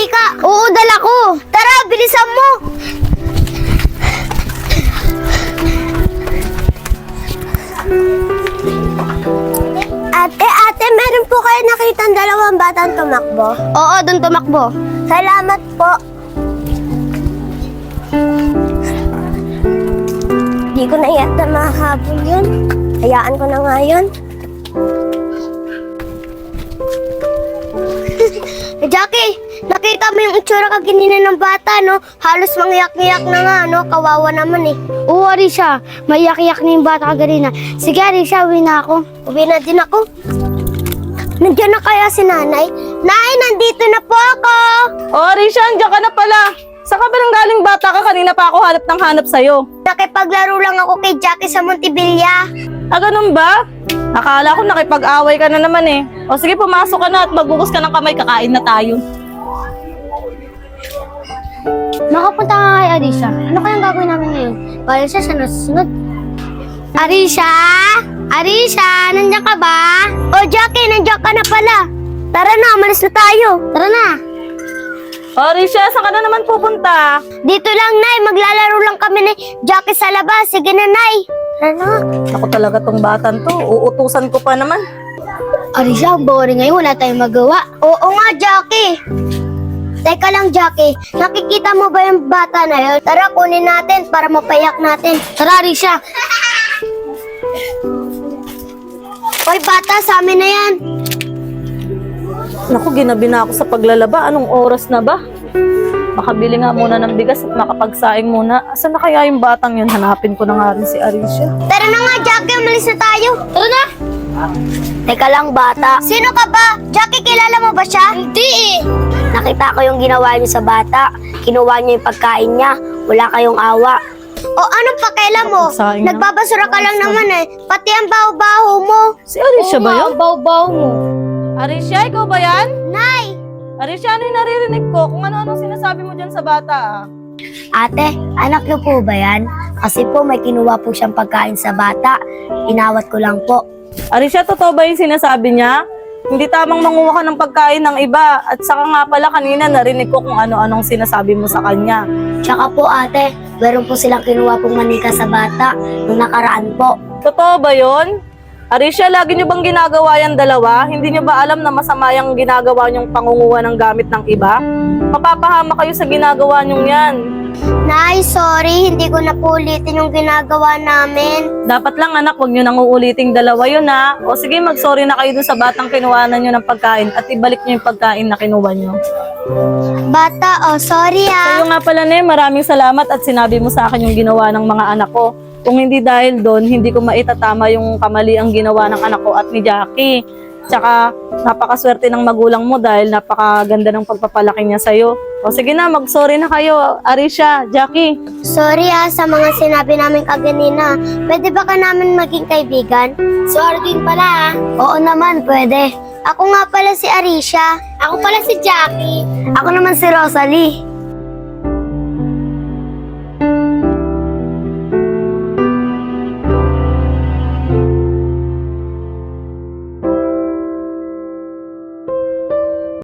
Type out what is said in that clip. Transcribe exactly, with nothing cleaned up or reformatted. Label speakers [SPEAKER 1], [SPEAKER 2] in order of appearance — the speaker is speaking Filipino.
[SPEAKER 1] manika? Oo, dala ko. Tara, bilisan mo. Ate, ate, meron po kayo nakitang dalawang batang tumakbo? Oo, doon tumakbo. Salamat po. Di ko na yata mahabol yun. Hayaan ko na nga yun. Eh, Jackie, nakita mo yung itsura kaginina ng bata, no? Halos mangyak-ngyak na nga, no? Kawawa naman eh. Oo, Arisha. Mayak-yak na yung bata kaganina. Sige, Arisha, uwi na ako. Uwi na din ako. Nandiyan na kaya si nanay? Nay, nandito na po ako!
[SPEAKER 2] Oh, Arisha, andiyan ka na pala. Saan ka ba nang galing bata ka? Kanina pa ako hanap ng hanap sa'yo.
[SPEAKER 1] Nakipaglaro lang ako kay Jackie sa Montevilla.
[SPEAKER 2] Ah, ganun ba? Akala ko nakipag-away ka na naman eh. O sige, pumasok ka na at magbukas ka ng kamay, kakain na tayo.
[SPEAKER 1] Makapunta nga kay Arisha. Ano kayang gagawin namin ngayon? Para siya sa nasusunod. Arisha? Arisha, nandiyan ka ba? O Jackie, nandiyan ka na pala. Tara na, umalis na tayo. Tara na.
[SPEAKER 2] Oh, Arisha, saan ka na naman pupunta?
[SPEAKER 1] Dito lang, Nay. Maglalaro lang kami ni Jackie sa labas. Sige na, Nay. Tara na.
[SPEAKER 2] Ako talaga tong batan to. Uutusan ko pa naman.
[SPEAKER 1] Arisha, ang boring ngayon. Wala tayong magawa. Oo nga, Jackie. Teka lang, Jackie. Nakikita mo ba yung bata na yun? Tara, kunin natin para mapayak natin. Tara, Arisha. Hoy, bata, sa amin na yan.
[SPEAKER 2] Naku, ginabi na ako sa paglalaba. Anong oras na ba? Makabili nga muna ng bigas at makapagsaing muna. Asan na kaya yung batang yun? Hanapin ko na nga rin si Arisha.
[SPEAKER 1] Tara na nga, Jackie. Umalis na tayo. Tara na. Teka lang, bata. Sino ka ba? Jackie, kilala mo ba siya? Hindi eh. Nakita ko yung ginawa niyo sa bata. Kinuha niyo yung pagkain niya. Wala kayong awa. O anong pakialam mo?
[SPEAKER 2] Pagsaing na.
[SPEAKER 1] Nagbabasura ka lang naman eh. Pati ang baho-baho mo.
[SPEAKER 2] Si Arisha ba yun?
[SPEAKER 1] baho-baho mo.
[SPEAKER 2] Arisha, ikaw ba yan?
[SPEAKER 1] Nay!
[SPEAKER 2] Arisha, ano yung naririnig ko? Kung ano-ano sinasabi mo dyan sa bata ah.
[SPEAKER 1] Ate, anak niyo po ba yan? Kasi po may kinuha po siyang pagkain sa bata. Inawat ko lang po.
[SPEAKER 2] Arisha, totoo ba yung sinasabi niya? Hindi tamang manguha ka ng pagkain ng iba. At saka nga pala kanina narinig ko kung ano-anong sinasabi mo sa kanya.
[SPEAKER 1] Tsaka po ate, meron po silang kinuha pong manika sa bata nung nakaraan po.
[SPEAKER 2] Totoo ba yun? Arisha, lagi niyo bang ginagawa yan dalawa? Hindi niyo ba alam na masama yung ginagawa niyong pangunguha ng gamit ng iba? Mapapahama kayo sa ginagawa niyong yan.
[SPEAKER 1] Nay, sorry, hindi ko na po ulitin yung ginagawa namin.
[SPEAKER 2] Dapat lang anak, huwag niyo nang uuliting dalawa yun ha. O sige, mag-sorry na kayo dun sa batang kinuhanan niyo ng pagkain at ibalik niyo yung pagkain na kinuha niyo.
[SPEAKER 1] Bata, oh, sorry ah.
[SPEAKER 2] Sa'yo nga pala, Ne, maraming salamat at sinabi mo sa akin yung ginawa ng mga anak ko. Kung hindi dahil doon, hindi ko maitatama yung kamali ang ginawa ng anak ko at ni Jackie. Tsaka, napakaswerte ng magulang mo dahil napakaganda ng pagpapalaki niya sa'yo. O sige na, mag-sorry na kayo, Arisha, Jackie.
[SPEAKER 1] Sorry ah sa mga sinabi namin kaganina. Pwede ba ka namin maging kaibigan? Sorry din pala ah. Oo naman, pwede. Ako nga pala si Arisha. Ako pala si Jackie. Ako naman si Rosalie.